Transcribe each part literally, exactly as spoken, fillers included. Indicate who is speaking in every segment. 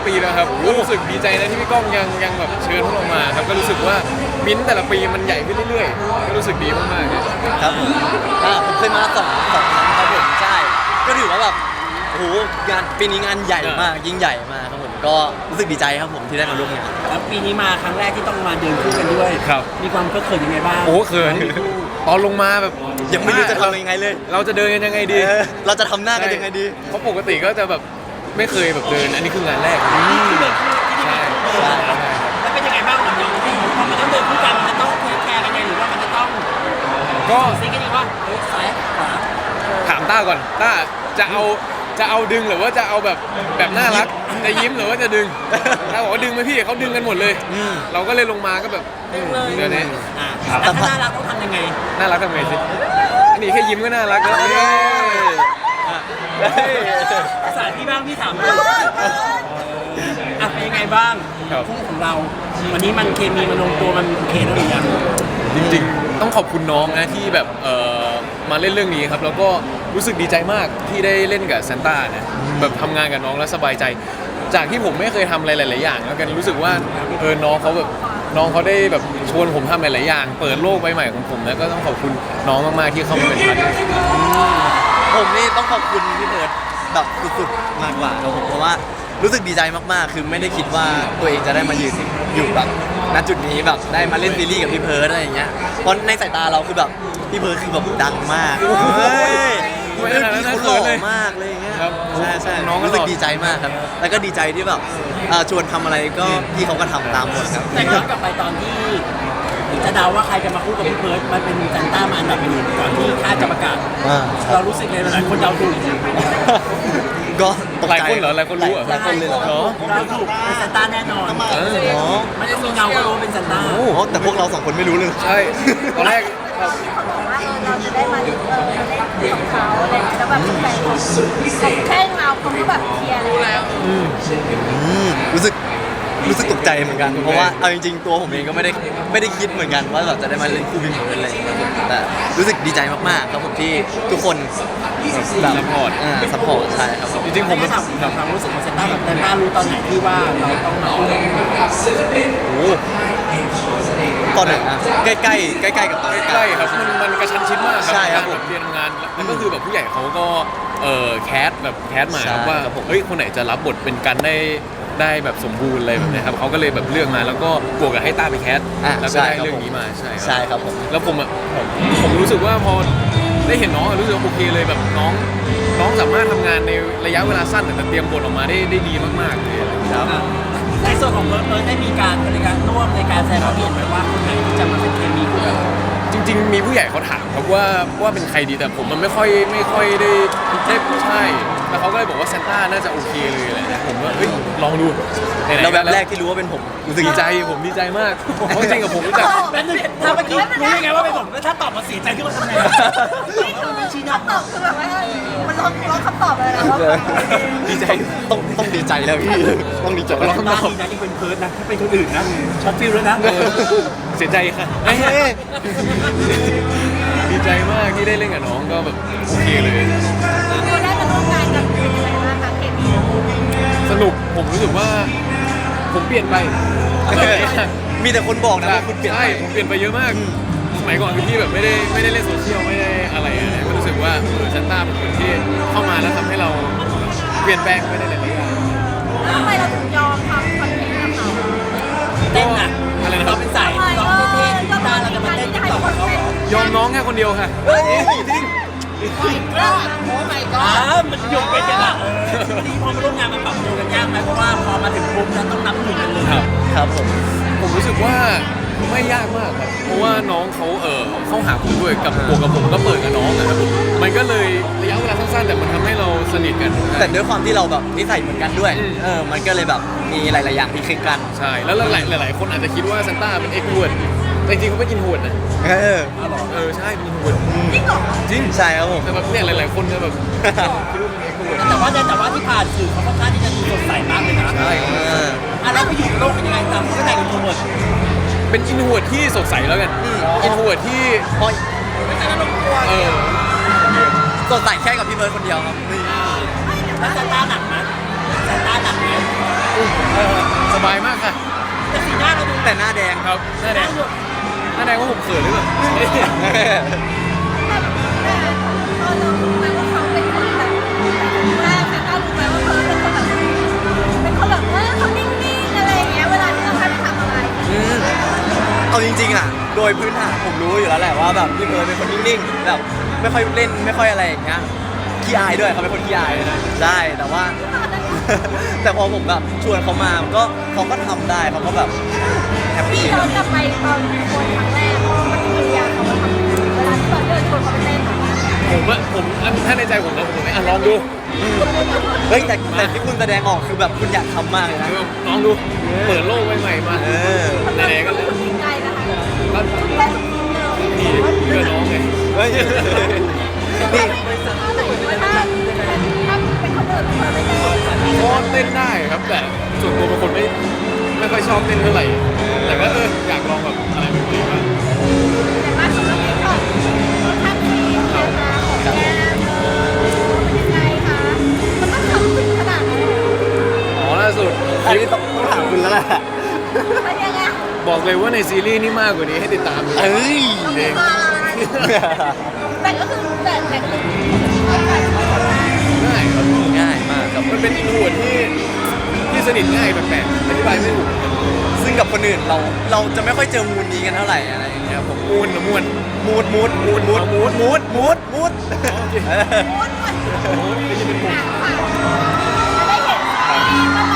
Speaker 1: ปีแล้วครับก็รู้สึกดีใจนะที่พี่ก้องยังยังแบบเชิญพวกเรามาครับก็รู้สึกว่ามิ้นท์แต่ละปีมันใหญ่ขึ้นเรื่อยๆก็รู้สึกดีมากๆเลย
Speaker 2: ครับผมอ่าผมเคยมาสองสองครั้งครับผมใช่ก็ถือว่าแบบโอ้โหงานปีนี้งานใหญ่มากยิ่งใหญ่มากครับผมก็รู้สึกดีใจครับผมที่ได้มาร่วมงาน
Speaker 3: แล้วปีนี้มาครั้งแรกที่ต้องมาเดินคู่กันด้วยมีความเขินยังไงบ้าง
Speaker 1: โอ้เขินตอนลงมาแบบ
Speaker 2: ยังไม่รู้จะทำยังไงเลย
Speaker 1: เราจะเดินกันยังไงดี
Speaker 2: เราจะทำหน้ากันยังไงดี
Speaker 1: เพราะปกติก็จะแบบไม่เคยแบบเดินอันนี้คืองานแรกใช่
Speaker 3: ใช่แล้วเป็นยังไงบ้างกับน้องพอมันต้องเดินคู่กันมันจะต้องเทคแคร์กันยังไงหรือว่ามันจะต้อง
Speaker 1: ก็
Speaker 3: ซีกันดีว่าซ้ายขวา
Speaker 1: ถามต้าก่อนต้าจะเอาจะเอาดึงหรือว่าจะเอาแบบแบบน่ารักจะยิ้มหรือว่าจะดึงถ้าบอกว่าดึงไหมพี่เขาดึงกันหมดเลยเราก็เลยลงมาก็แบบเดี๋ยวนี้
Speaker 3: แต่ถ้าน่ารักต้องทำยังไง
Speaker 1: น่ารักทำไงสิอันนี้แค่ยิ้มก็น่ารักแล้ว
Speaker 3: ภาษาที่บ้างพี่ถามเลยอ่ะเป็นยังไงบ้างคู่ของเราวันนี้มันเคมีมันลงตัวมันโอเคแล้วหรือยัง
Speaker 1: จริงๆต้องขอบคุณน้องนะที่แบบเอ่อมาเล่นเรื่องนี้ครับแล้วก็รู้สึกดีใจมากที่ได้เล่นกับซานต้านะแบบทำงานกับน้องแล้วสบายใจจากที่ผมไม่เคยทำอะไรหลายๆอย่างแล้วกันรู้สึกว่าเออน้องเขาแบบน้องเขาได้แบบชวนผมทำหลายๆอย่างเปิดโลกใบใหม่ของผมแล้วก็ต้องขอบคุณน้องมากๆที่เข้ามาเป็นพาร์ทเนอร์
Speaker 2: ผมนี่ต้องขอบคุณพี่เพิร์ดแบบสุดๆมากกว่าครับผมเพราะว่ารู้สึกดีใจมากๆคือไม่ได้คิดว่าตัวเองจะได้มายืนอยู่แบบณจุดนี้แบบได้มาเล่นซีรีส์กับพี่เพิร์ดอะไรอย่างเงี้ยเพราะในสายตาเราคือแบบพี่เพิร์ดคือแบบดังมากเฮ้ยพี่เขาหล่อมากเลยอย่างเงี้ยใช่ใช่น้องรู้สึกดีใจมากครับแล้วก็ดีใจที่แบบชวนทำอะไรก็พี่เขาก็ทำตามหมดครับ
Speaker 3: แต่ย้อนกลับไปตอนที่จะเดาว่าใครจะมาคู่กับพี่เพิร์ดมันเป็นซานต้ามาอันดับหนึ่งก่อนที่ค่ายจะประกาศเรารู้สึกไงหลายคนเดาถูก
Speaker 2: ก็
Speaker 1: หลายคนเหรอหลายคนรู้
Speaker 2: หลายคนเลยเหรอ
Speaker 3: เราถูกเป็นซานต้าแน่นอนไม่ได้มีเงาก็รู้เป็นซานต้า
Speaker 2: โอ้แต่พวกเราสองคนไม่รู้เลย
Speaker 1: ใช่ตอนแรก
Speaker 4: เขาบอกว่าเออเราจะได้มาเออเล่นของเขาอะไรแล้วแบบแฟนแค่เงาเขาก็แบบเคลียร์แล้ว
Speaker 2: รู้สึกรู้สึกตกใจเหมือนกันเพราะว่าเอาจริงๆตัวผมเองก็ไม่ได้ไม่ได้คิดเหมือนกันว่าแบบจะได้มาเล่นคู่พี่เพิร์ดอะไรอย่างเงี้ยแต่รู้สึกดีใจมากๆครับผมที่ทุกคน
Speaker 1: แบบซัพพอร์ต
Speaker 2: อ่าซัพพอร์ตใช่ครับ
Speaker 3: จริงๆผมก็ถามความรู้สึกของซานต้าแบบซานต้ารู้ตอนไหนที่ว่าเราต้องมา
Speaker 2: โอ้ตอนไหนนะใกล้ๆใกล้ๆกับตอน
Speaker 1: ใกล้ๆครับมันมันกระชั้นชิดมาก
Speaker 2: ใช่ครับผม
Speaker 1: เรียนทำงานแล้วก็คือแบบผู้ใหญ่เขาก็เอ่อแคสแบบแคสมาว่าเฮ้ยคนไหนจะรับบทเป็นกันได้ได้แบบสมบูรณ์อะไรแบบนี้ครับเขาก็เลยแบบเลือกมาแล้วก็บวกกับให้ต้าไปแคสแล้วก็ได้เรื่องนี้มาใช่
Speaker 2: ใช่ครับผม
Speaker 1: แล้วผมอ่ะผมรู้สึกว่าพอได้เห็นน้องรู้สึกโอเคเลยแบบน้องน้องสามารถทำงานในระยะเวลาสั้นแต่เตรียมบทออกมาได้ได้ดีมากๆเลยครับ
Speaker 3: ในส่วนของเพิร์ดเพิร์ดได้มีการในการร่วมในการแสดงความเห็นไหมว่าคนไหนที่จะมาเป็นเคมีคู่กัน
Speaker 1: จริงๆมีผู้ใหญ่เขาถามครับว่าว่าเป็นใครดีแต่ผมมันไม่ค่อยไม่ค่อยได้ได้ใช่แล้วเขาก็เลยบอกว่าซานต้าน่าจะโอเคเลยอะไรนะผมว่าเฮ้ยลองดู
Speaker 2: แล้วแบบแรกที่รู้ว่าเป็นผม
Speaker 1: รู้สึกดีใจผมดีใจมากเพราะจริงกับผมรู้จัก
Speaker 3: ถ้าเมื่อกี้รู้ยังไงว่าเป็นผมแล้วถ้าตอบมาเสียใจขึ้นมาทำไง
Speaker 4: นี่คือคำตอบคือแบบว่ามันร้องร้องคำตอบอะไรนะ
Speaker 2: ดีใจต้องต้องดีใจแล้วพี่ต้องดีใจ
Speaker 3: ร้องคำตอบนะยังเป็นเพิร์ดนะถ้าเป็นคนอื่นนะช็อตฟิลแล้วนะ
Speaker 1: เสียใจค่ะดีใจมากที่ได้เล่นกับน้องก็แบบโอเคเลย
Speaker 4: เราได้มาร่วมงานกันเป็นยังไงบ้างคะเคมี
Speaker 1: สนุกผมรู้สึกว่าผมเปลี่ยนไป
Speaker 2: มีแต่คนบอกนะว่าคุณเปลี่ยน
Speaker 1: ใช่ผมเปลี่ยนไปเยอะมากสมัยก่อนคือที่แบบไม่ได้ไม่ได้เล่นโซเชียลไม่ได้อะไรอะไรก็รู้สึกว่าเออซานต้าเป็นคนที่เข้ามาแล้วทำให้เราเปลี่ยนแปลงไปได้หลายอย่าง
Speaker 4: ทำไมเราถึงยอมทำคอนเทนต์กับเขา
Speaker 3: เต้นอ่ะอะไรนะเราเป็นสายร้องเท่ๆกีตาร์เราจะมาเต้นติ๊กต็อกกับเขา
Speaker 1: ยอมน้องแค่คนเดียวค่ะจริง
Speaker 4: โอ้โหไม่ก็
Speaker 3: มันหยุดไปจังอ่ะที่พอมาร่วมงานมันปรับตัวกันยากไหมเพราะว่าพอมาถึงปุ๊บแล้วต้องนับหนึ่งกันเลย
Speaker 1: ครับ
Speaker 2: ครับผม
Speaker 1: ผมรู้สึกว่าไม่ยากมากครับเพราะว่าน้องเขาเออเข้าหาผมด้วยกับบวกกับผมก็เปิดกับน้องนะครับมันก็เลยระยะเวลาสั้นๆแต่มันทำให้เราสนิทกัน
Speaker 2: แต่ด้วยความที่เราแบบนิสัยเหมือนกันด้วยเออมันก็เลยแบบมีหลายๆอย่างที่คลิกกัน
Speaker 1: ใช่แล้วหลายหลายคนอาจจะคิดว่าซานต้าเป็นเอ็กซ์วดแต่จริงๆเขาไม่กินหวดนะ
Speaker 2: เออ
Speaker 1: เออใช่เป็นหวด
Speaker 4: จริงเหรอ
Speaker 1: จริง
Speaker 2: ใช่ครับผม
Speaker 1: แต่แบบเนี่ยหลายๆคนจะแบบ
Speaker 3: แต่ว่าแต่ว่าที่ผ่านสื่อเขาค่อนข้างที่จะดูสดใสมากเลยนะ
Speaker 1: ใช่
Speaker 3: อ่ะแล้วไปอยู่โลกเป็นยังไงตามก็แต่งเป็นโทรเวิร์ด
Speaker 1: เป็นอินโทรเวิร์ดที่สดใสแล้วกันอินโทรเวิร์ดที่
Speaker 2: พอ
Speaker 3: ไม่ใช่ระบบตัว
Speaker 1: เออ
Speaker 2: สดใสแค่กับพี่เบิร์ดคนเดียวครับ
Speaker 3: แล้วซานต้าหนักไหมซานต้าหนักไหม
Speaker 1: เออสบายมากค่ะ
Speaker 3: แต่สีหน้าเราดู
Speaker 2: แต่หน้าแดง
Speaker 1: ครับหน้าแดงหน้าแดงว่าผมเขินหรือเปล่า
Speaker 4: แบบแต่พอเรารู้ไหมว่าเขาเป็นคนแบบว่าแต่เรารู้ไหมว่าเขาเป็นคนแบบเป็นคนแบบเออเขานิ่งๆอะไรอย่างเงี้ยเวลาที่เราไปทำอะไร
Speaker 2: อืมเอาจริงๆอ่ะ โดยพื้นฐานผมรู้อยู่แล้วแหละว่าแบบพี่เพิร์ดเป็นคนนิ่งๆแบบไม่ค่อยเล่นไม่ค่อยอะไรอย่างเงี้ยขี้อายด้วยเขาเป็นคนขี้อายนะใช่แต่ว่า แต่พอผมแบบชวนเขามาก็เขาก็ทำได้เขาก็แบบแฮป
Speaker 4: พี่
Speaker 2: ปี้
Speaker 4: ย้อนกลับไปตอนคนครั้งแรกมันคือเรียนเขามาทำยังไงเวลาที่เราเดินชวนเขาไปเต้นอะ
Speaker 1: ผมอะผมถ้าในใจผมนะผมไม่อ่ะลองดู
Speaker 2: เฮ้ยแต่แต่ที่คุณแสดงออกคือแบบคุณอยากทำมากเลยนะ
Speaker 1: คือลองดูเปิดโลกใหม่ๆมา
Speaker 2: เออ
Speaker 1: ไหนๆก็เลย
Speaker 4: จริงใจนะคะ
Speaker 1: ก็
Speaker 4: เต้นทุกทีเลย
Speaker 1: นี่เพื่อนน้องไง
Speaker 2: เฮ้ย
Speaker 4: นี่
Speaker 2: นี่
Speaker 4: ถ้าถ้าเป็นคนอื่นเขาไม่เต้น
Speaker 1: ก็เต้นได้ครับแต่ส่วนตัวเป็นคนไม่ไม่ค่อยชอบเต้นเท่าไหร่แต่ก็เอออยากลองแบบอะไรใหม่ๆบ้าง
Speaker 4: แต่ว่าสำหรับพี่ก็ทำทีนะคะของแก้มเป็นยังไงคะมันต้องทำถึงขนาดนั้นเลย
Speaker 1: อ๋อล่าสุด
Speaker 2: อันนี้ต้องต้องถามคุณแล้วแหละ
Speaker 4: มันยังไง
Speaker 1: บอกเลยว่าในซีรีส์นี่มากกว่านี้ให้ติดตามเลย
Speaker 2: เอ้ย
Speaker 1: เอง
Speaker 4: แต่ก็คือแต่แต่ก็คือเอาการชอบได้
Speaker 1: ง่ายครับ
Speaker 2: ง่ายมากครับ
Speaker 1: มันเป็นอินโทรเวิร์ดที่ที่สนิทง่ายแปลกๆอธิบายไม่ถูก
Speaker 2: ซึ่งกับคนอื่นเราเราจะไม่ค่อยเจอมูดนี้กันเท่าไหร่อะไรอย่างเงี้ยผม
Speaker 1: มูนนะมูน
Speaker 2: มูดมูดมูดมูดมูดมูดมูดมูด
Speaker 1: โอเค
Speaker 2: เออ
Speaker 4: ม้วนด้วย
Speaker 1: โอ้ยไม่ใช่เป็นมุม
Speaker 4: จะได้เห็นซีรีส์เมื่อไหร่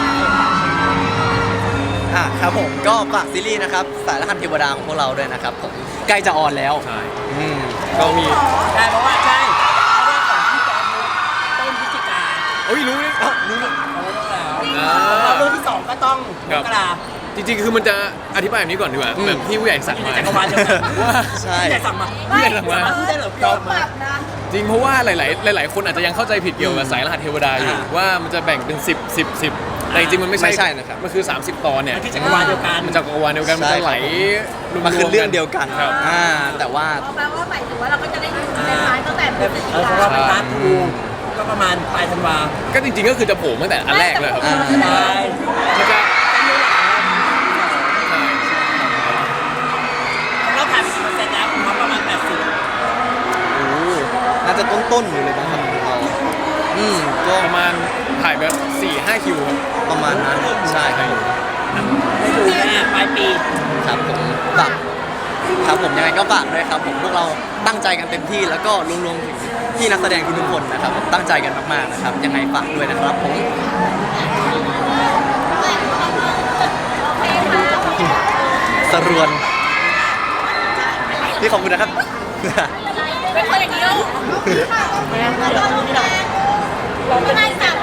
Speaker 2: อ่ะครับผมก็ฝากซีรีส์นะครับสายรหัสเทวดาของพวกเราด้วยนะครับผมใกล้จะออนแล้ว
Speaker 1: ใช่
Speaker 2: อืม
Speaker 1: ก็มี
Speaker 3: ใช่เพราะว่าใช่เพราะว่าของพี่จอมต้นพฤศจิกา
Speaker 1: โอ้ยรู้เลย
Speaker 2: เอ้ารู้ไหม
Speaker 3: เขาเรื่องแล้ว
Speaker 1: อ่า
Speaker 3: แล้วเรื่องที่สองก็ต้องมกรา
Speaker 1: จริงๆ คือมันจะอธิบายแบบนี้ก่อนดีกว่าแบบที่ผู้ใหญ่สั่ง
Speaker 3: อยู่ใน
Speaker 1: มา
Speaker 3: จักรวาลเดียวกัน
Speaker 1: ว่า
Speaker 2: ใช่
Speaker 3: พี่ใหญ่สั่งมา
Speaker 1: ผู้ใหญ่สั่งมา
Speaker 3: พี่ได้เหรอพี่
Speaker 4: โด
Speaker 3: เอา
Speaker 4: นป
Speaker 3: มา
Speaker 4: รับนะ
Speaker 1: จริงเพราะว่าหลายๆ หลาย ๆ คนอาจจะยังเข้าใจผิดเกี่ยวกับสายรหัสเทวดาอยู่
Speaker 2: อ่า
Speaker 1: ว่ามันจะแบ่งเป็นสิบ สิบ สิบแต่จริงๆมันไม่ใช่
Speaker 2: ไม่ใช่นะครับ
Speaker 1: มันคือ สามสิบ ตอนเนี่ย
Speaker 3: มันคือจักรวาลเดียวกัน
Speaker 1: มันจักรวาลเดียวกันมัน
Speaker 2: ใช่
Speaker 1: จะไหล
Speaker 2: ครับ
Speaker 1: รวมๆ
Speaker 2: มันคือเรื่องเดียวกัน
Speaker 1: ครับ
Speaker 2: อ่าแต่ว่า
Speaker 4: แปลว่าหมายถึงว่าเราก็จะได้ดูในพาร์ทตั้งแต่พฤศจิ
Speaker 3: เออของเรา
Speaker 4: กา
Speaker 3: เป็นพาร์ททูก็ประมาณปลายธันวา
Speaker 1: ก็จริงๆ ก็คือจะโผล่ตั้งแต่อันแรกเลยครับ
Speaker 2: อ่า
Speaker 3: ใช่
Speaker 1: มันจะใช่
Speaker 3: ของเราถ่ายไปกี่เปอร์เซ็นต์แล้วของเขาประมาณแปดสิบ
Speaker 1: โอ้
Speaker 2: น่าจะต้นๆอยู่เลยนะครับของเราอืมก็
Speaker 1: ประมาณถ่ายแบบสี่ห้าคิวครับ
Speaker 2: ประมาณนั้นใช่ครับผม
Speaker 3: ได้ดูแน่ปลายปี
Speaker 2: ครับผมฝากครับผมยังไงก็ฝากด้วยครับผมพวกเราตั้งใจกันเต็มที่แล้วก็รวมๆถึงพี่นักแสดงทุกๆคนนะครับผมตั้งใจกันมากๆนะครับยังไงฝากด้วยนะครับผม
Speaker 4: โอเคค่ะ
Speaker 2: สรวนพี่ขอบคุณนะครับ
Speaker 4: เป็นคนอย่างนี้เหรอค่ะไม่ได้สาม